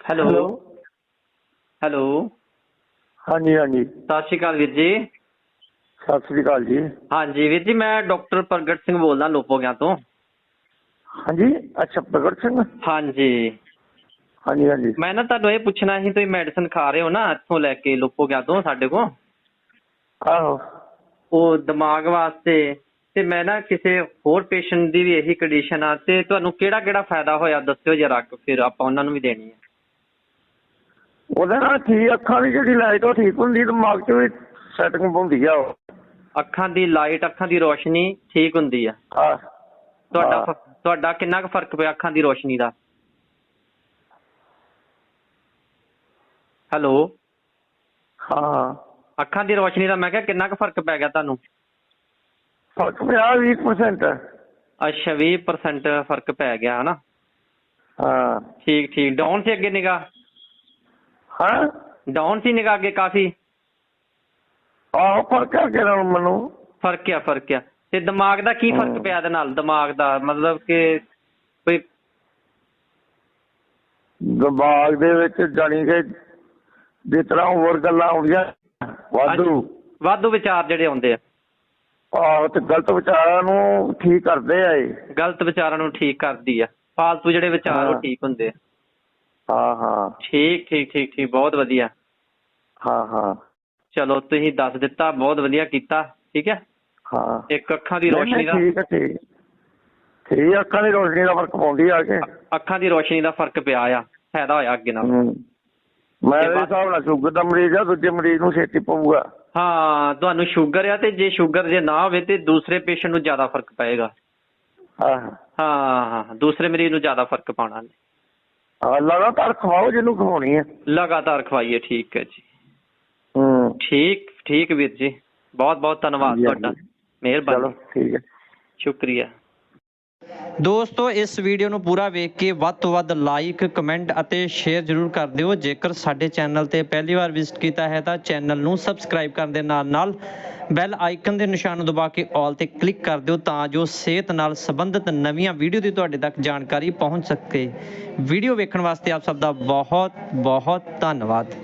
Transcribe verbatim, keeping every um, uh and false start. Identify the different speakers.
Speaker 1: Hello
Speaker 2: hello
Speaker 1: hello
Speaker 2: ਹਾਂਜੀ ਹਾਂਜੀ
Speaker 1: ਸਤਿ ਸ਼੍ਰੀ ਅਕਾਲ ਵੀਰ ਜੀ।
Speaker 2: ਸਤਿ ਸ੍ਰੀ ਅਕਾਲ ਜੀ।
Speaker 1: ਹਾਂਜੀ ਵੀਰ ਜੀ, ਮੈਂ ਡਾਕਟਰ ਪ੍ਰਗਟ ਸਿੰਘ ਬੋਲਦਾ ਲੋਪੋਗਿਆਂ ਤੋਂ।
Speaker 2: ਹਾਂਜੀ ਅੱਛਾ ਪ੍ਰਗਟ ਸਿੰਘ।
Speaker 1: ਹਾਂਜੀ
Speaker 2: ਹਾਂਜੀ ਹਾਂਜੀ
Speaker 1: ਮੈਂ ਨਾ ਤੁਹਾਨੂੰ ਇਹ ਪੁੱਛਣਾ ਸੀ, ਤੁਸੀਂ ਮੈਡੀਸਨ ਖਾ ਰਹੇ ਹੋ ਨਾ ਇੱਥੋਂ ਲੈ ਕੇ ਲੋਪੋਗਿਆਂ ਤੋਂ ਸਾਡੇ ਕੋਲ,
Speaker 2: ਆਹੋ
Speaker 1: ਉਹ ਦਿਮਾਗ ਵਾਸਤੇ, ਤੇ ਮੈਂ ਨਾ ਕਿਸੇ ਹੋਰ ਪੇਸ਼ੈਂਟ ਦੀ ਵੀ ਇਹੀ ਕੰਡੀਸ਼ਨ ਆ, ਤੇ ਤੁਹਾਨੂੰ ਕਿਹੜਾ ਕਿਹੜਾ ਫਾਇਦਾ ਹੋਇਆ ਦੱਸਿਓ ਜਰਾ, ਫਿਰ ਆਪਾਂ ਉਹਨਾਂ ਨੂੰ ਵੀ ਦੇਣੀ ਹੈ।
Speaker 2: ਉਹਦੇ ਨਾਲ ਠੀਕ ਅੱਖਾਂ ਦੀ ਜਿਹੜੀ ਲਾਈਟ ਉਹ ਠੀਕ ਹੁੰਦੀ, ਦਿਮਾਗ 'ਚ ਵੀ ਸੈਟਿੰਗ ਹੁੰਦੀ ਆ ਉਹ।
Speaker 1: ਅੱਖਾਂ ਦੀ ਲਾਈਟ, ਅੱਖਾਂ ਦੀ ਰੋਸ਼ਨੀ ਠੀਕ ਹੁੰਦੀ ਆ।
Speaker 2: ਹਾਂ
Speaker 1: ਤੁਹਾਡਾ
Speaker 2: ਹਾਂ।
Speaker 1: ਫ- ਤੁਹਾਡਾ ਕਿੰਨਾ ਕੁ ਫਰਕ ਪਿਆ ਅੱਖਾਂ ਦੀ ਰੋਸ਼ਨੀ ਦਾ? ਹੈਲੋ
Speaker 2: ਹਾਂ
Speaker 1: ਅੱਖਾਂ ਦੀ ਰੋਸ਼ਨੀ ਦਾ ਮੈਂ ਕਿਹਾ ਕਿੰਨਾ ਕੁ ਫਰਕ ਪੈ ਗਿਆ ਤੁਹਾਨੂੰ?
Speaker 2: ਫਰਕ ਪਿਆ ਵੀਹ ਪਰਸੈਂਟ।
Speaker 1: ਅੱਛਾ ਵੀਹ ਪਰਸੈਂਟ ਫਰਕ ਪੈ ਗਿਆ ਹਨਾ।
Speaker 2: ਹਾਂ
Speaker 1: ਠੀਕ ਠੀਕ। ਡਾਊਨ ਸੀ ਅੱਗੇ ਨਿਗਾਹ?
Speaker 2: ਹਾਂ
Speaker 1: ਡਾਊਨ ਸੀ ਨਿਗਾਹ ਅੱਗੇ ਕਾਫੀ?
Speaker 2: ਆਹੋ ਫਰਕ ਹੈ ਕਿ ਮੈਨੂੰ।
Speaker 1: ਫਰਕ ਆ ਫਰਕ ਆ। ਤੇ ਦਿਮਾਗ ਦਾ ਕੀ ਫਰਕ ਪਿਆ ਇਹਦੇ ਨਾਲ? ਦਿਮਾਗ ਦਾ ਮਤਲਬ ਕਿ ਕੋਈ
Speaker 2: ਦਿਮਾਗ ਦੇ ਵਿੱਚ ਜਾਣੀ ਕਿ ਜਿਸ ਤਰ੍ਹਾਂ ਹੋਰ ਗੱਲਾਂ ਆਉਂਦੀਆਂ ਵਾਧੂ,
Speaker 1: ਵਾਧੂ ਵਿਚਾਰ ਜਿਹੜੇ ਆਉਂਦੇ ਆ,
Speaker 2: ਆਹੋ ਤੇ ਗਲਤ ਵਿਚਾਰਾਂ ਨੂੰ ਠੀਕ ਕਰਦੇ ਆ ਇਹ।
Speaker 1: ਗਲਤ ਵਿਚਾਰਾਂ ਨੂੰ ਠੀਕ ਕਰਦੀ ਆ, ਫਾਲਤੂ ਜਿਹੜੇ ਵਿਚਾਰ ਉਹ ਠੀਕ ਹੁੰਦੇ ਆ।
Speaker 2: ਹਾਂ ਹਾਂ
Speaker 1: ਠੀਕ ਠੀਕ ਠੀਕ ਠੀਕ, ਬਹੁਤ ਵਧੀਆ।
Speaker 2: ਹਾਂ ਹਾਂ
Speaker 1: ਚਲੋ ਤੁਸੀਂ ਦੱਸ ਦਿੱਤਾ, ਬਹੁਤ ਵਧੀਆ ਕੀਤਾ। ਠੀਕ ਹੈ।
Speaker 2: ਹਾਂ
Speaker 1: ਇੱਕ ਅੱਖਾਂ ਦੀ ਰੋਸ਼ਨੀ ਦਾ,
Speaker 2: ਠੀਕ ਹੈ ਠੀਕ ਠੀਕ ਅੱਖਾਂ ਦੀ ਰੋਸ਼ਨੀ ਦਾ ਫਰਕ ਪਾਉਂਦੀ ਆ ਕੇ।
Speaker 1: ਅੱਖਾਂ ਦੀ ਰੋਸ਼ਨੀ ਦਾ ਫਰਕ ਪਿਆ ਆ, ਫਾਇਦਾ ਹੋਇਆ ਅੱਗੇ ਨਾਲ।
Speaker 2: ਮੇਰੇ ਹਿਸਾਬ ਨਾਲ ਸ਼ੂਗਰ ਦਾ ਮਰੀਜ਼ ਆ, ਦੂਜੇ ਮਰੀਜ਼ ਨੂੰ ਛੇਤੀ ਪਊਗਾ।
Speaker 1: ਹਾਂ ਤੁਹਾਨੂੰ ਸ਼ੂਗਰ ਆ, ਤੇ ਜੇ ਸ਼ੂਗਰ ਜੇ ਨਾ ਹੋਵੇ ਤੇ ਦੂਸਰੇ ਪੇਸ਼ੈਂਟ ਨੂੰ ਜ਼ਿਆਦਾ ਫਰਕ ਪਏਗਾ।
Speaker 2: ਹਾਂ
Speaker 1: ਹਾਂ ਹਾਂ ਦੂਸਰੇ ਮਰੀਜ਼ ਨੂੰ ਜ਼ਿਆਦਾ ਫਰਕ ਪਾਉਣਾ।
Speaker 2: ਹਾਂ ਲਗਾਤਾਰ ਖਵਾਓ ਜਿਹਨੂੰ ਖਵਾਉਣੀ ਹੈ।
Speaker 1: ਲਗਾਤਾਰ ਖਵਾਈਏ। ਠੀਕ ਹੈ ਜੀ।
Speaker 2: ਹੂੰ
Speaker 1: ਠੀਕ ਠੀਕ ਵੀਰ ਜੀ, ਬਹੁਤ ਬਹੁਤ ਧੰਨਵਾਦ ਤੁਹਾਡਾ, ਮਿਹਰਬਾਨੀ।
Speaker 2: ਚਲੋ ਠੀਕ ਹੈ,
Speaker 1: ਸ਼ੁਕਰੀਆ। ਦੋਸਤੋ ਇਸ ਵੀਡੀਓ ਨੂੰ ਪੂਰਾ ਵੇਖ ਕੇ ਵੱਧ ਤੋਂ ਵੱਧ ਲਾਈਕ, ਕਮੈਂਟ ਅਤੇ ਸ਼ੇਅਰ ਜ਼ਰੂਰ ਕਰ ਦਿਓ। ਜੇਕਰ ਸਾਡੇ ਚੈਨਲ 'ਤੇ ਪਹਿਲੀ ਵਾਰ ਵਿਜ਼ਿਟ ਕੀਤਾ ਹੈ ਤਾਂ ਚੈਨਲ ਨੂੰ ਸਬਸਕ੍ਰਾਈਬ ਕਰਨ ਦੇ ਨਾਲ ਨਾਲ ਬੈਲ ਆਈਕਨ ਦੇ ਨਿਸ਼ਾਨ ਨੂੰ ਦਬਾ ਕੇ ਆਲ 'ਤੇ ਕਲਿੱਕ ਕਰ ਦਿਓ, ਤਾਂ ਜੋ ਸਿਹਤ ਨਾਲ ਸੰਬੰਧਿਤ ਨਵੀਆਂ ਵੀਡੀਓ ਦੀ ਤੁਹਾਡੇ ਤੱਕ ਜਾਣਕਾਰੀ ਪਹੁੰਚ ਸਕੇ। ਵੀਡੀਓ ਵੇਖਣ ਵਾਸਤੇ ਆਪ ਸਭ ਦਾ ਬਹੁਤ ਬਹੁਤ ਧੰਨਵਾਦ।